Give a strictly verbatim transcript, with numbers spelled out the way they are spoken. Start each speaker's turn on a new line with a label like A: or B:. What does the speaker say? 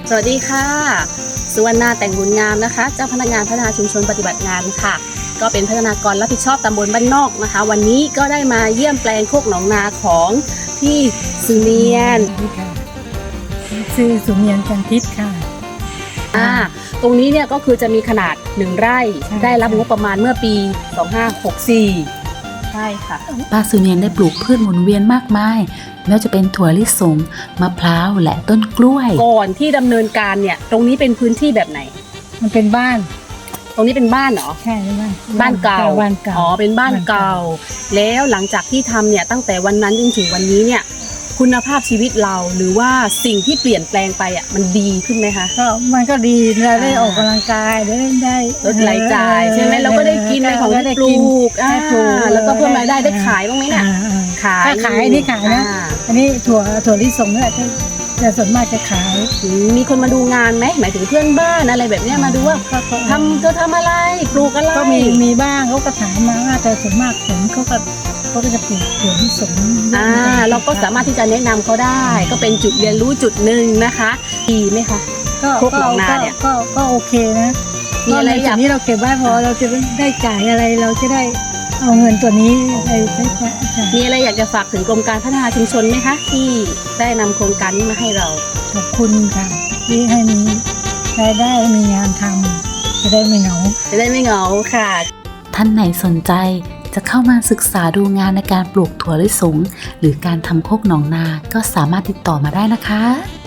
A: สวัสดีค่ะสุวรรณาแต่งบุญงามนะคะเจ้าพนักงานพัฒนาชุมชนปฏิบัติงานค่ะก็เป็นพัฒนากรรับผิดชอบตำบลบ้านนอกนะคะวันนี้ก็ได้มาเยี่ยมแปลงโคกหนองนาของพี่สุเนียน
B: ชื่อสุเนียนจันทิพย์ค่ะ
A: อ่าตรงนี้เนี่ยก็คือจะมีขนาดหนึ่งไร่ได้รับงบประมาณเมื่อปีสองพันห้าร้อยหกสิบสี่ใช่ค่ะ
C: ป้าสุเนียนได้ปลูกพืชหมุนเวียนมากมายไม่ว่าจะเป็นถั่วลิสงมะพร้าวและต้นกล้วย
A: ก่อนที่ดำเนินการเนี่ยตรงนี้เป็นพื้นที่แบบไหน
B: มันเป็นบ้าน
A: ตรงนี้เป็นบ้านเหรอ
B: ใช่บ้าน
A: บ้านเก่า
B: บ้านเก่า
A: อ๋อเป็นบ้านเก่าแล้วหลังจากที่ทำเนี่ยตั้งแต่วันนั้นจนถึงวันนี้เนี่ยคุณภาพชีวิตเราหรือว่าสิ่งที่เปลี่ยนแปลงไปอ่ะมันดีขึ้นไหมคะ
B: ก็มันก็ดีเราได้ออกกำลังกายได้ได้
A: ลดรายจ่ายใช่ไหมเราก็ได้กินในของที่ปลูกอ่าแล้วก็เพิ่มรายได้ได้ขายบ้างไหมเนี่ย
B: ขายขายนี่ขายนะอันนี้ถั่วถั่วลิสงนี่แหละจะส่วนมากจะขาย
A: มีคนมาดูงานไหมหมายถึงเพื่อนบ้านอะไรแบบนี้มาดูว่าทำเธอทำอะไรปลูกอะไร
B: ก็มีมีบ้างเขาก็ถามมาว่าแต่ส่วนมากผมเขาก็เขาก็จะปลูกถั่วลิสง
A: อ่าเราก็สามารถที่จะแนะนำเขาได้ก็เป็นจุดเรียนรู้จุดหนึ่งนะคะดีไหมคะ
B: ก็โคกหนองนาเนี่ยก็ก็โอเคนะ
A: มีอะไร
B: อย่างนี้เราเก็บไว้พอเราจะได้จ่ายอะไรเราจะได้เอาเงินตัวนี้ไปใช้จ่าย
A: มีอะไรอยากจะฝากถึงกรมการพัฒนาชุมชนไหมคะที่ได้นำโครงการนี้มาให้เรา
B: ขอบคุณค่ะที่ให้มีรายได้มีงานทำจะได้ไม่เหงา
A: จะได้ไม่เหงาค่ะ
C: ท่านไหนสนใจจะเข้ามาศึกษาดูงานในการปลูกถั่วลิสงหรือการทำโคกหนองนาก็สามารถติดต่อมาได้นะคะ